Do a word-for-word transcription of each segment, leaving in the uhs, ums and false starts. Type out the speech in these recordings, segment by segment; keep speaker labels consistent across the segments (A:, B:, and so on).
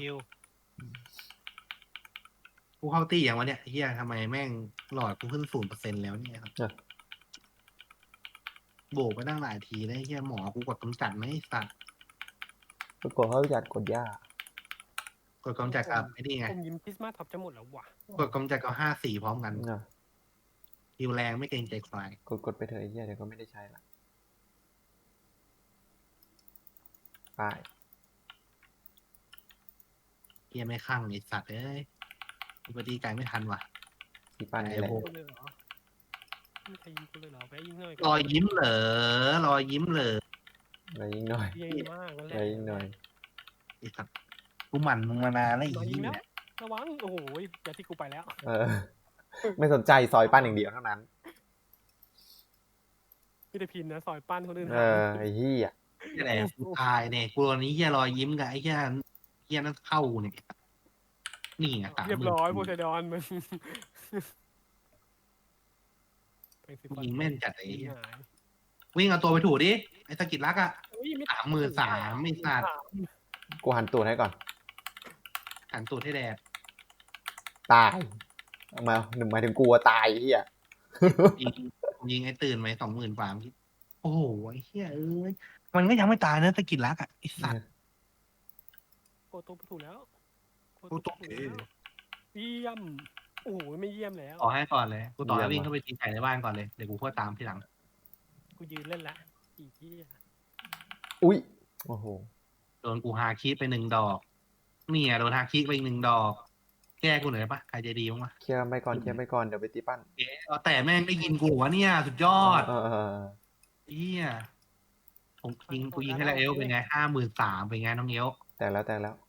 A: ว
B: กูเข้าตีอย่างวะเนี่ยเฮียทำไมแม่งหลอดกูขึ้นศูนย์เปอร์เซ็นต์แล้วเนี่ยครับโบกไปตั้งหลายทีแล้วเฮียหมอกูกดกำจัดไหมสัตว์
C: ปรากฏเขาจัดกดยาก
B: กดกำจัดกับไอ้นี่ไง
A: ผมยิ้มคริสต์มาสท็อปจะหมดแล้วว่ะ
B: กดกำจัดกับห้าสี่พร้อมกัน
C: เนอะ
B: ฮิวแรงไม่เกรงใจใคร
C: กดกดไปเถอะไอ้เหี้ยเดี๋ยวก็ไม่ได้ใช้ละไป
B: เฮียไม่ข้างไอ้สัตว์เอ้ยอุบัติไกลไม่ทันว่ะ
C: ที่ปั้นนี่แหละ
B: ไอ้โบ
A: กูเลยเหรอไม่ใครยิงกูเลยเหรอแวะยิงหน่อย
B: รอยยิ้มเหรอรอยยิ้มเหรอ
C: ไปยิงหน่อย
A: ยิงมากนั่นแห
C: ไป
A: ละ
C: ยิงหน่อย
B: ไอ้สัตว์กูหมั่นมึงมานานแล้วไอ้
A: รอยิง
B: เหี้
A: แล้ว
B: ย
A: ระวังโอ้โหอย่าที่กูไปแล้ว
C: เออ ไม่สนใจซอยปั้นอย่างเดียวเท่านั้น
A: พี่ได้พินนะซอยปั้นคนอื่น
C: เออไอ้เหี้ย
B: นี่แหละกูตายเนี่ยกูตอนนี้เฮียรอยยิ้มกับไอ้เฮียเฮียนั่นเข้าเนี่ยนี่ไงสามห
A: เรียบ
B: มื่น
A: ร้อยโพไซดอนมัน
B: ยิงแม่นจัดไอ้
A: ยิง
B: เหี้ย
A: หาย
B: วิ่งเอาตัวไปถูดิไอ้สกิดรักอะ
A: อุ้ยไ
B: สามหมื่นสามไม่สัตว์
C: กูหันตูดให้ก่อน
B: หันตูดให้แดด
C: ตายเอามาหนึ่งหมายถึงกูอะตายไอ้เหี้ย
B: ยิงยิงไอ้ตื่นไหมสองหมื่นกว่าโอ้โหไอ้เหี้ยเอ้ยมันก็ยังไม่ตายนะสกิดรักอะไอ้สัตว์
A: โกโตไปถูกแล้ว
B: โกโต้
A: ถูกแล้วเยี่ยมโอ้โหไม่เยี่ยมแล้ว
B: ต่อให้ก่อนเลยกูต่อให้วิ่งเข้าไปตีไก่ในบ้านก่อนเลยเดี๋ยวกูค่อยตามทีหลัง
A: กูยืนเล่นละอีกที่
C: อุ้ยโอ้โห
B: โดนกูฮาคิไปหนึ่งดอกเนี่ยโดนฮาคิไปอีกหนึ่งดอก แก้กูหน่อยได้ปะใครใจดีบ้างวะ
C: เคลียร์ไปก่อนเคลียร์ไปก่อนเดี๋ยวไปตีปั้น
B: เอ๊ะเอาแต่แม่งได้ยินกูวะเนี่ยสุดยอด
C: เออเออเออ
B: เฮียผมยิงกูยิงให้แล้วเอลเป็นไงห้าหมื่นสามเป็นไงน้องเอล
C: แต่แล้วแต่แล้ว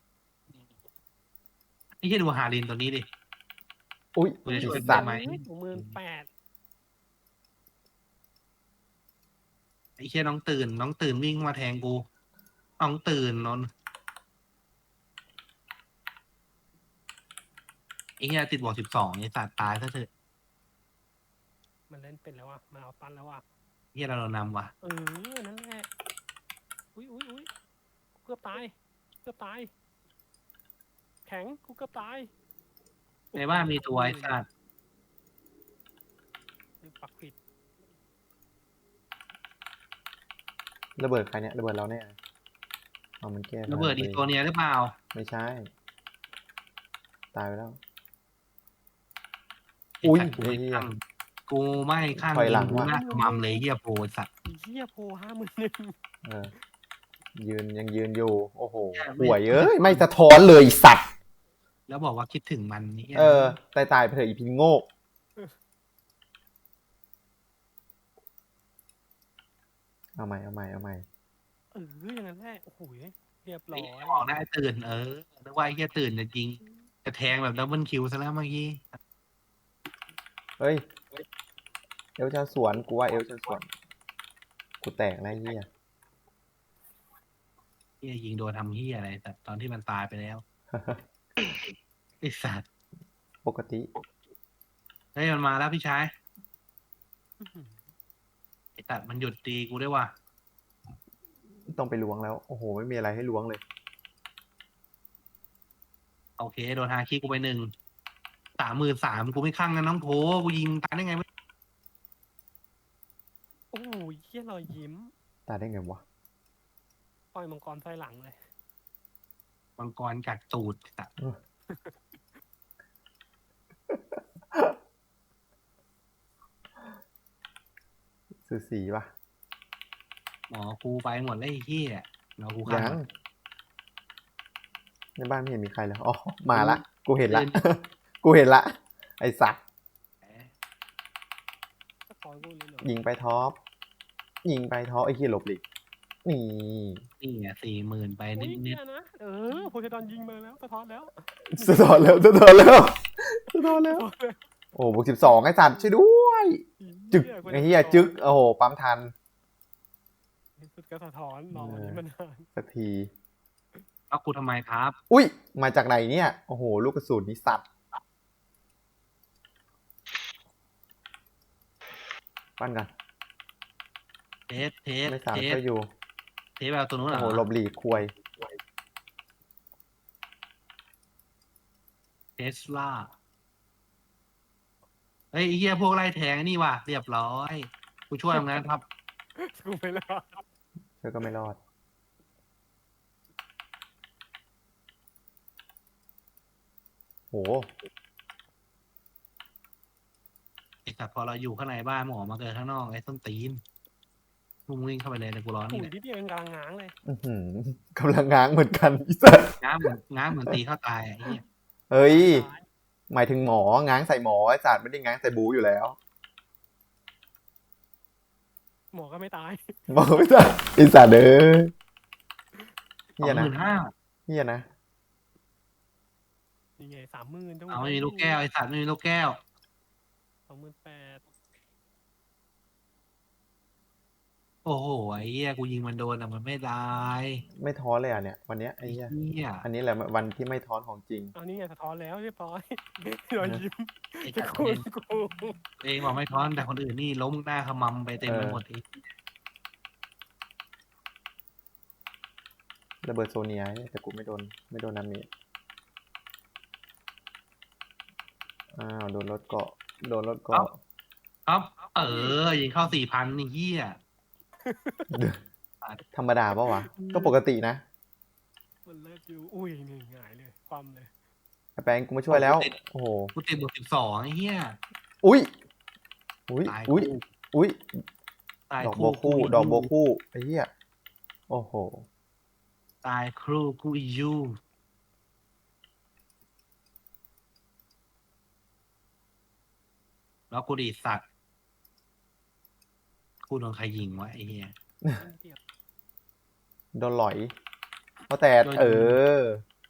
B: ไอ้เฮียดูฮารินตัวนี้ดิ
C: อุ้ย
B: กูจะช่วย
C: สัตว์
B: ไหม
A: สองหมื่นแปด
B: ไอ้เฮียน้องตื่น น้องตื่นวิ่งมาแทงกูน้องตื่นนนไอ้เฮียติดบวกสิบสองไอ้สัตว์ตายซะเถอะ
A: มันเล่นเป็นแล้วอ่ะมันเอาตันแล้วอ่ะ
B: เฮียเราโดนนำว่ะ
A: เออนั่นแหละอุ้ยอุ้ยอุ้ยกูเกือบตายเกือบตาย แข็งกูเกือบตาย
B: ในบ้านมีตัวไอ้สัตว์
A: ปักผิด
C: ระเบิดใครเนี่ยระเบิดเราเนี่ยเอามันแก้
B: ระเบิดอีกตัวเนี้ยหรือเปล่า
C: ไม่ใช่ ตายไปแล้ว
B: ไอ้
C: อุ้ย
B: สัตว์กูไม่
C: เหี้ย
B: ข้างกูไม่ข้าง
C: ถอยหลัง
B: กู
C: ว่ะ
B: หน้ามัมเลยเฮียโพไอ้สัตว์
A: อีเหี้ยโพห้าหมื่นหนึ่ง
C: เออยืนยังยืนอยู่ โอ้โหห่วยเอ้ยไม่สะท้อนเลยสัตว์
B: แล้วบอกว่าคิดถึงมันนี่
C: เออตายตายไปเถอะอีพินโง่เอาใหม่เอาใหม่เอาใหม่
A: เอออย่างนั้นแหละโอ้โหเรียบร้
B: ไอ้
A: อย
B: เหี้ยบอกได้ตื่นเออนึกว่าไอ้เฮียตื่นจะจริงจะแทงแบบดับเบิลคิวซะแล้วเมื่อกี้
C: เฮ้ยเอลชาสวนกูว่าเอลชาสวนกูแตกแล้วไอ้เหี้ย
B: เฮียยิงโดนทำเฮียอะไรแต่ตอนที่มันตายไปแล้วไอ้สัตว์
C: ปกติ
B: เฮ้ยมันมาแล้วพี่ชาย
A: อื้อหือ
B: ไอ้สัตว์มันหยุดตีกูด้วยว่ะ
C: ต้องไปล้วงแล้ว โอ้โห ไม่มีอะไรให้ล้วงเลย
B: โอเคโดนฮาคิกูไปหนึ่งสามหมื่นสามกูไม่ข้างนะน้องโผกูยิงตายได้ไงวะ
A: โอ้โหเหี้ยรอยยิ้ม
C: ตายได้ไงวะ
A: ปล่อยมังกรไฟหลังเลย
B: มังกรกัดตูดไอ้สัตว์
C: สูสีปะ
B: หมอกูไปหมดเลยไอ้เฮียเรากู
C: ยั
B: ข้าง
C: งในบ้านไม่เห็นมีใครเลยอ๋อมาละ กูเห็นละ กูเห็นละ ไอ้สัตว์
A: ก็คอยกูเลยเหรอ
C: ยิงไปท็อป ยิงไปท็อปไอ้เหี้ยหลบหลีกนี่
B: นี่อ่ะสี่หมื่นไป
A: อุ้ย
B: นิด
A: เนี่ยนะเออโพไซดอนยิงมาแล้วสะท้อนแล้ว
C: สะท้อนแล้วสะท้อนแล้วสะท้อนแล้ว โอ้บวกสิบสองไอ้สัตว์ช่วยด้วย จึกไอ้เหี้ยจึก โอ้โห ปั๊มทัน
A: สุดก็สะท้อนรอวันนี้มันนาน
C: สักที
B: ๆแล้วกูทำไมครับ
C: อุ้ย มาจากไหนเนี่ย โอ้โห ลูกกระสุนนี่สัตว์ ปั้นกัน
B: เทสเทส
C: ไม่สาม
B: เทส
C: ก็อยู่
B: เทสแบบตัวนู้นเหร
C: โอ้
B: อ
C: โหหลบหลีกควย
B: สลาเฮ้ยไอ้เหี้ยพวกไล่แทงนี่ว่ะเรียบร้อยกูช่วยมึงนะครับ
A: กูไม่รอด
C: เธอก็ไม่รอดโห
B: ไอ้สัตว์พอเราอยู่ข้างในบ้านหมอมาเกิดข้างนอกไอ้ส้นตีนมึงวิ่งเข้าไปเลยแต่กูร้อน
A: โอ้
B: นี่
A: ย
B: แหละ
A: นิดเดียวเองกำลังง้างเลย
C: อื้อหือกำลังง้างเหมือนกันอีสัส
B: ง้างเหมือนง้างเหมือนตีเข้าตายอ่ะไอ้เหี้ย
C: เฮ้ย
A: ตาย
C: หมายถึงหมอ ง้างใส่หมอไอ้สัตว์ไม่ได้ง้างใส่บูอยู่แล้ว
A: หมอก็ไม่ตาย
C: หมอไม่ได้ไอ้สัตว์เด้อ
B: สอ
C: เฮีย
B: งห
C: นะ
B: มื่นห้า
C: เฮียนะ
A: นี่ไงสามหมื่นจัง
B: เอาไม่มีลูกแก้วไอ้สัตว์ไม่มีลูกแก้ว
A: สองหมื่นแปด
B: โอ้โหไอ้เหี้ยกูยิงมันโดนอ่ะมันไม่ได้
C: ไม่ท้อเลยอ่ะเนี่ยวันเนี้ยไอ้
B: ไอ้
C: เหี้ย
B: เหี้ย
C: อันนี้แหละวันที่ไม่ท้อนของจริง
A: เอานี่ไงสะท้อนแล้วเรียบร้อยรอยยิ้ม
B: ไอ้
A: จะ
B: สัตว์
A: คู
B: เอ
A: ณ
B: ง
A: กู
B: เองบอกไม่ท้อนแต่คนอื่นนี่ล้มหน้าขมำไปเต็มไปหมดไอ้
C: ระเบิดโซเนียแต่กูไม่โดนไม่โดนน้ำนี้อ้าวโดนรถเกาะโดนรถเกาะ
B: ครับ เออยิงเข้าสี่พันนี่เหี้ย
C: ธรรมดาปะวะ ก็ปกตินะ
A: มันเลิกอยู่อุ้ยนี่หงายเลยความเลย
C: ไอ้แปงกูมาช่วยแล้ว โอ้โห
B: กูติดบวกสิบสองไอ้เหี้ย
C: อุ้ยอุ้ย
B: ตาย
C: อุ้ย
B: คู่
C: อุ้ย
B: ตาย
C: ดอก
B: คู่
C: โบคู่ดอกโบคู่ไอ้เหี้ยโอ้โห
B: ตายครูกูอียูแล้วกูดีสัตว์กูโดนใครยิงวะไอ้เหี้ย
A: เดียว
C: โดนหลอยเพราะแต่
B: โดน
C: เออ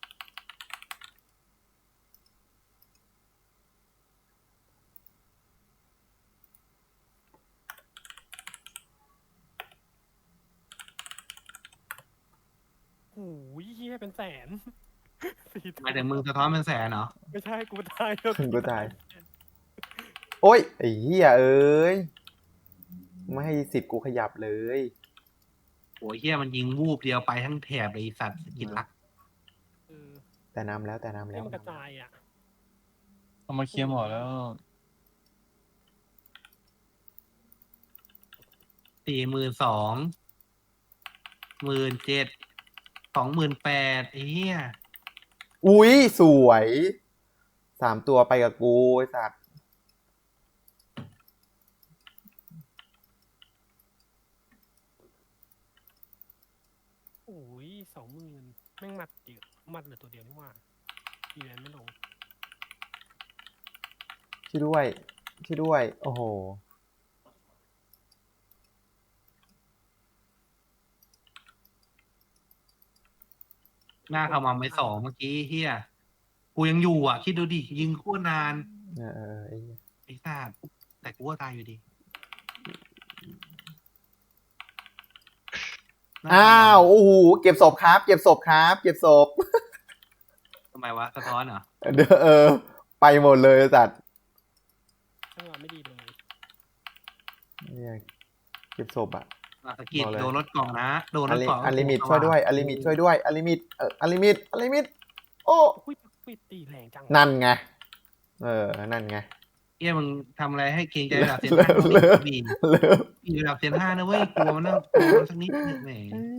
A: โอ้ยเฮียเป็นแสนสี่
B: หมายถึงมึงสะท้อนเป็นแสนเหรอ
A: ไม่ใช่กูตายแล้ว
C: กูตาย โอ้ยไอ้เหี้ยเอ้ยไม่ให้สิทธิ์กูขยับเลย
B: โอ้ยเหี้ยมันยิงวูบเดียวไปทั้งแถบเลยไอ้สัตว์สกินลัก
A: เออ
C: แต่น้ำแล้วแต่น้ำ
A: ให้
C: แล้ว
A: มันกระจายอ่ะ
D: เอามาเคลียร์หมอแล้ว
B: สี่หมื่นสองหมื่นเจ็ดสองหมื่นแปดไอ้เหี้ย
C: อุ้ยสวยสามตัวไปกับกูไอ้สัตว์
A: โอ้ยสองหมื่นแม่งมัดเดียวมัดเหลือตัวเดียวนี่หว่าอีแวนไม่ลง
C: ช่วยด้วยช่วยด้วย โอ้โห
B: หน้าขมำไปสองเมื่อกี้เหี้ยกูยังอยู่อ่ะ คิดดูดิยิงโคตรนาน
C: เออเออไอ้เหี้ย
B: ไอ้สัตว์แต่กูก็ตายอยู่ดีหน้
C: อ้า
B: ขมำ
C: วโอ้โหเก็บศพครับ เก็บศพครับ เก็บศพ
B: ทำไมวะสะท้อนเหรอ
C: เด้อเออ ไปหมดเลยไอ้สัตว์
A: จังหวะไม่ดีเลย
C: เนี่ยเก็บศพอ่ะ
B: อ่ะสะกิด
C: บอกเลย
B: โดนรถเกล่องนะ โดนร
C: อัน
B: ถ
C: ลิ
B: เกล่อง
C: อันลิมิตช่วยด้วยอันลิมิตช่วยด้วยอันลิมิตเอออันลิมิตอันลิมิต โอ้
A: อุ้ยอุ้ยตีแรงจัง
C: นั่นไง เออ นั่นไง
B: เฮียมึงทำอะไรให้เกรงใจระดับเซน
C: เลิ
B: ห้าก
C: เลิก
B: บี
C: เลิก
B: บีระดับเซนห้านะเว้ยกลัวมันนะกลัวมันสักนิดนึงแหม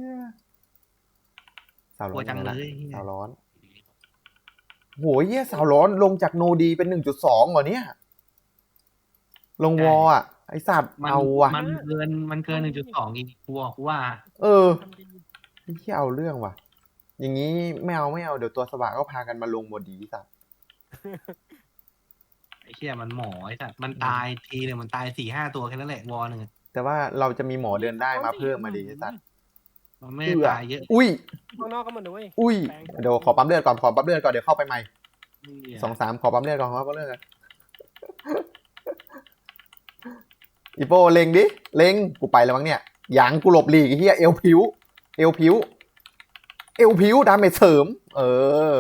C: สาว
B: ก
C: ร้
B: ลั
C: อ
B: วน จัง
C: ยังไง
B: เล
C: ล่ะ
B: ยเหี้ย
C: สาวร้อนโหเหี้ยสาวร้อนลงจากโนดีเป็นหนึ่งจุดสองเหรอเนี่ย ลงวออ่ะ ไอสัตว์
B: มัน
C: เอาว่ะ
B: มันเกินมันเกินหนึ่งจุดสองอีกกูบอกกูว่า
C: เออ
A: ทำดี
C: ไอ้เหี้ยเอาเรื่องว่ะ อย่างนี้ไม่เอาไม่เอาเดี๋ยวตัวสว่างก็พากันมาลงหมดดีสัตว์
B: ไอ้เชี่ยมันหมอไอ้สัตว์มันตายทีหนึ่งมันตายสี่ห้าตัวแค่นั้นแหละวอหนึ่งอะ
C: แต่ว่าเราจะมีหมอเดินได้มาเพิ่มมาดีไอ้สัตว์
B: มันไม่ได้ตายเยอะ
C: อุ้ย
A: ข้างนอกก็มันด้วย
C: อุ้ย
A: แปลง
C: เดี๋ยวขอปั๊มเลือดก่อนขอปั๊มเลือดก่อนเดี๋ยวเข้าไปใหม่
B: เนี่ย
C: สองสามขอปั๊มเลือดก่อนขอปั๊มเลือดก่อนอีโปเล็งดิเล็งกูไปแล้วมั้งเนี่ยหยางกูหลบหลีกไอ้เหี้ยเอวผิว เอวผิว เอวผิวดาเมจเสริม เออ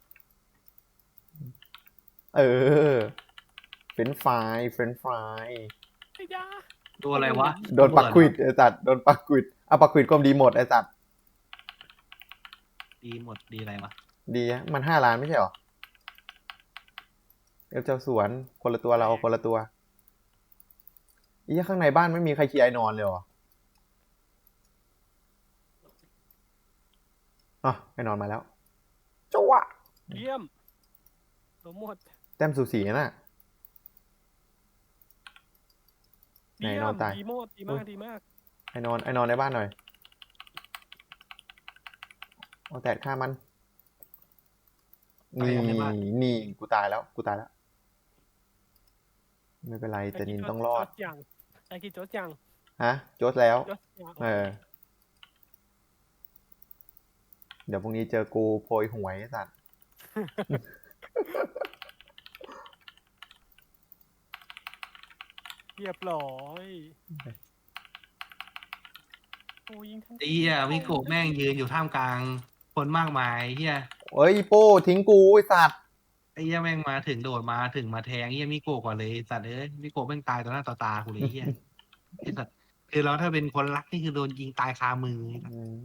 C: เออเฟรนช์ฟรายเฟรนช์ฟราย
A: ไอ้ยา
B: ตัวอะไรวะ
C: โดนปักควิดไอ้สัตว์โดนปักควิดอ่ะปักควิดก็ดีหมดไอ้สัตว์
B: ดีหมดดีอะไรวะ
C: ดีอะมันห้าล้านไม่ใช่หรอเอลเจ้าสวนคนละตัวเราคนละตัวอีข้างในบ้านไม่มีใครเคลียร์ไอ้นอนเลยเหรออ่ะไอ้นอนมาแล้วจังหวะ
A: เยี่ยมตัวหมด
C: แต้มสูสีน่ะ ไหน
A: เยี่ย
C: นอน
A: ม
C: ตาย
A: ดีโมดดีมากดีมาก
C: ไอ้นอนไอ้นอนในบ้านหน่อยเอาแตะฆ่ามันนี่นี่กูตายแล้วกูตายแล้วไม่เป็นไรแต่นินต้องรอด
A: โจ๊จังไอ้กินโจ๊จัง
C: ฮะโจทย์แล้ว
A: โจ๊จัง
C: เออ เดี๋ยวพรุ่งนี้เจอกูโพยหวยไอ้สัตว์
A: เรียบร้อยโอ้ยิงทั้ง
B: ไอ้เหี้ยมิโกะแม่งยืนอยู่ท่ามกลางคนมากมายเหี้ย
C: เอ้ยโป้ทิ้งกูไอ้สัตว์
B: ไอ้เหี้ยแม่งมาถึงโดดมาถึงมาแทงเหี้ยมิโกะก่อนเลยสัตว์เอ้ยมิโกะแม่งตายต่อหน้าต่อตากูเลยเหี้ยไอ้สัตว์คือเราถ้าเป็นคนรักนี่คือโดนยิงตายคามือ
C: อืม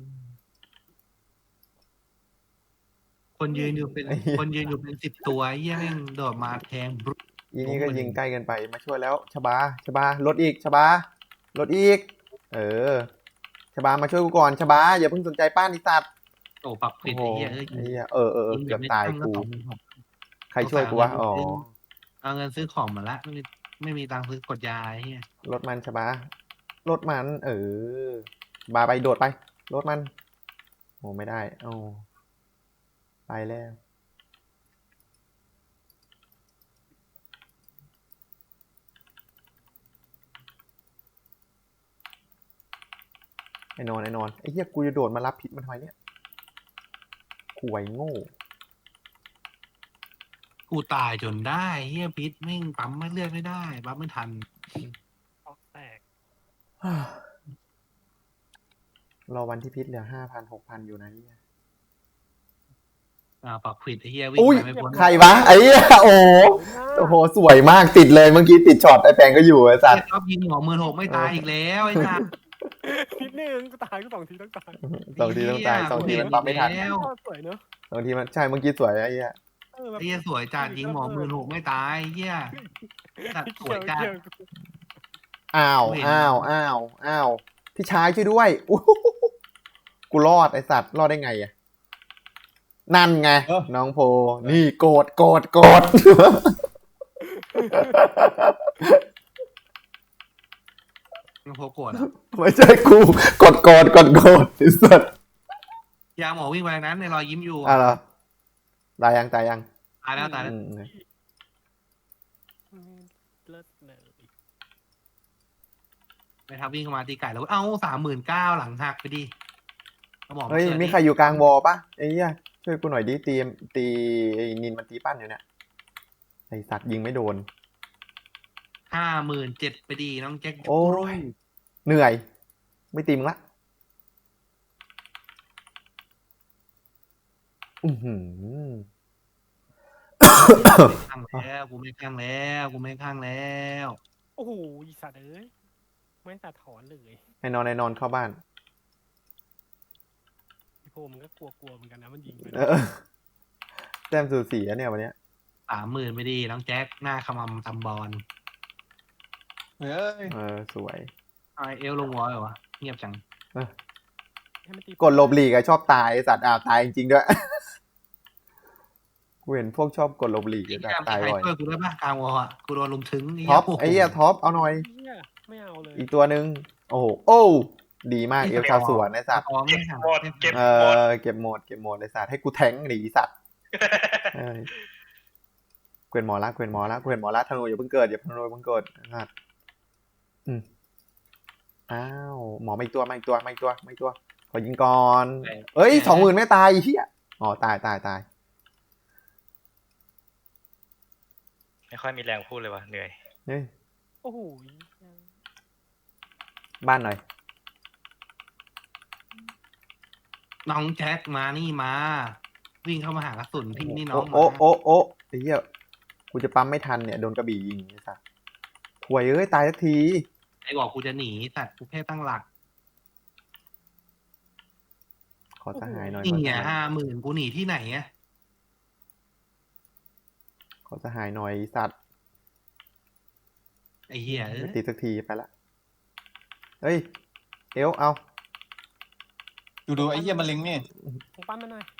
B: คนยืนอยู่เป็น
C: ไอ้เหี้ย
B: คนยืนอยู่เป็นสิบตัวไอ้เหี้ยแม่งโดดมาแทงบรุ
C: อีนี่ก็ยิงใกล้กันไปมาช่วยแล้วชบาชบาลดอีกชบาลดอีก เออชบามาช่วยกูก่อนชบาอย่าเพิ่งสนใจป้านอีสัตว์
B: โอ้ปักผิด
C: โอ้โห
B: ไอ้เหี้ยเอ้ย
C: ไอ้เหี้ยเออเออเออ
B: ยิง
C: เกือบ
B: ไม่
C: ตาย
B: ตั้ง
C: กู
B: สองหมื่นหก
C: ใครช่วยกูวะอ๋อ
B: เอาเงินซื้อของมาละไม่มีไม่มีตังค์ซื้อกดยาไอ้เหี้ย
C: รถมันชบารถมัน เออ บาไปโดดไปรถมันโอ้ไม่ได้โอ้ไปแล้วไอ้นอนไอ้นอนไอ้เหี้ยกูจะโดดมารับผิดมันทำไมเนี่ยข่วยโง่
B: กูตายจนได้เหี้ยพิษแม่งปั๊มไม่เลือดไม่ได้ปั๊มไม่ทัน
A: ออกแตก
C: รอวันที่พิษเหลือห้าพันหกพันอยู่นะเหี้ย
B: อ่าปักผิดไอ้เหี้ยวิ่
C: อุ้
B: ง
C: ย
B: ไปไม่พ้น
C: ใครวะไอ้เหี้ยโอ้โหโอ้โหสวยมากติดเลยเมื่อกี้ติดช็อตไอ้แปงก็อยู่ไอ้สัตว์
B: ชอบยิงหัวมือหกไม่ตายอีกแล้วไอ้สัส
A: นิดนึงก็ตายก็สองทีต้องตาย
C: สองทีต้องตายสองทีมันปั๊มไม่ทัน
B: แล้ว
A: สวยเนอะ
C: สองทีมันใช่เมื่อกี้สวยไอ้เหี้ย
A: เออแบบ
B: ไอ้เหี้ยสวยจัดยิงหัวมือหกไม่ตายไอ้เหี้ยสัตว์สวยจัด
A: เกี่ยว
C: อ้าว
B: กูเห็น
C: อ้าวอ้าวอ้าวพี่ชายช่วยด้วยอู้หูกูรอดไอ้สัตว์รอดได้ไงอะนั่นไง
D: เออ
C: น้องโพนี่โกรธโกรธโกรธ
B: มันโผล่โกรธอะ
C: ไม่ใช่กูกดโกรธกดโกรธไอ้สัตว์
B: ยาหมอวิ่งไปนั้นในรอยยิ้มอยู่
C: อ่ะเหรอตายยังตายยัง
B: ตายแล้วตายแล้ว
C: อืม
A: เลิศเลย
B: ไปทับวิ่งเข้ามาตีไก่แล้วเอ้าสามหมื่นเก้าหลังหักไปดิอาหมอ
C: เฮ้ย
B: กิด
C: มีใครอยู่กลางวอลปะไอ้เหี้ยช่วยกูหน่อยดิตีตีไอ้นินมันตีปั้นอยู่เนี่ยไอ้สัตว์ยิงไม่โดน
B: ห้าหมื่นเจ็ดไปดีน้องแจ็ค
C: โอ้ยเหนื่อย ไม่ตีมงละอือหือ
B: ข้างแล้วกูไม่ข้างแล้วกูไม่ข้างแล้ว
A: โอ้โหอีสัตว์เอ้ยไม่สะท้อนเลย
C: ให้นอนให้นอนเข้าบ้าน
A: พี่โพมันก็กลัวๆเหมือนกันนะมันยิงไป
C: เออแต้มสูสีอะเนี่ยวันเนี้ย
B: สามหมื่นไปดีน้องแจ็คหน้าขมำตำบอล
D: เฮ้ย
C: เออสวย
B: ไอเอลลงวอลเหรอวะเงียบจัง
A: ให้มันตี
C: กดหลบหลีกอะชอบตายไอ้สัตว์อ้าวตายจริงๆด้วย กูเห็นพวกชอบกดหลบหลีก
B: ไอ้
C: ไอ้
B: เหี้
C: สั
B: ย
C: ตว์
B: มี
C: ตาย
B: ใคร
C: บ่อย
B: ช่วยกูได้ปะกลางวอลอ่ะกูโดนลุมถึง
C: ท็อปไอ้เหี้ยท็อปเอาหน่อย
A: เหี้ยไม่เอาเลย
C: อีกตัวหนึ่งโอ้โหโอ้ดีมากเอลชาวสวนไอ้สัตว์
B: อ๋อไม่หา
E: หมดเก็บ
C: เออเก็บหมดเก็บหมดไอ้สัตว์ให้กูแทงหนีสัตว์เอ้ยเกวียนหมอละเกวียนหมอละเกวียนหมอละธนูอย่าเพิ่งเกิดอย่าธนูอย่าเพิ่งเกิดสัตว์อืมอ้าวหมอมาอีกตัวมาอีกตัวมาอีกตัวมาอีกตัวขอยิงก่อนเอ้ยสองหมื่นไม่ตายไอ้เหี้ยอ๋อตายตายตาย
E: ไม่ค่อยมีแรงพูดเลยว่ะเหนื่อย
C: เฮ้ย
A: โอ้โห
C: บ้านหน่อย
B: น้องแจ็คมานี่มา วิ่งเข้ามาหากระสุนพี่นี่น้อ
C: โอ้
B: ง
C: โอ้
B: มา
C: โอ้โอ้ไอ้เหี้ยกูจะปั๊มไม่ทันเนี่ยโดนกระบี่ยิงไอ้สัสห่วยเอ้ยตายสักที
B: ไอ้บอกกูจะหนีสัตว์กูแค่ตั้งหลัก
C: ขอสหายหน่อย
B: นี่
C: ขอ
B: ไง
C: สหาย
B: ห้าหมื่นกูหนีที่ไหนอะ
C: ขอเขาจะหายหน่อยไอ้สัตว์
B: ไอ้เหี้ยเอ้
C: ไม่
B: ย
C: ตีสักทีไปละเฮ้ยเอลเอา
D: ดูดูไอ้เหี้ยมันเล็งเนี่ย
A: มึงปั้นมาหน่อย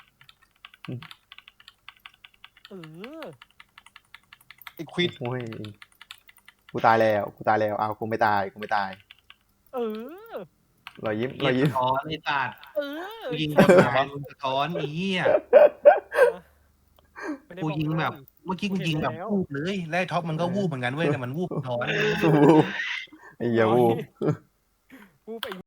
A: เออ
D: ไอ้ควิด
C: โอ้ยกูตายแล้วกูตายแล้วเอากูไม่ตายกูไม่ตาย
A: เออ
C: รอยยิ้มร
B: เหี้
C: อย ยยิ้ม
B: สะท้อนไอ้สัตว์
A: เออ
B: กูยิงแบบไหนมึงสะท้อนไอ้เหี้ย
A: ไม่ได้
B: กู
A: บอก
B: ยิงแบบ
A: เลย
B: เมื่อกี้กูยิงแบบ
A: แล้ว
B: วูบเลยแล้วไอ้ท็อปมันก็วูบเหมือนกันเว้ยแต่มันวูบสะท้อน
C: ไอ้เหี้ยวู
A: กูไป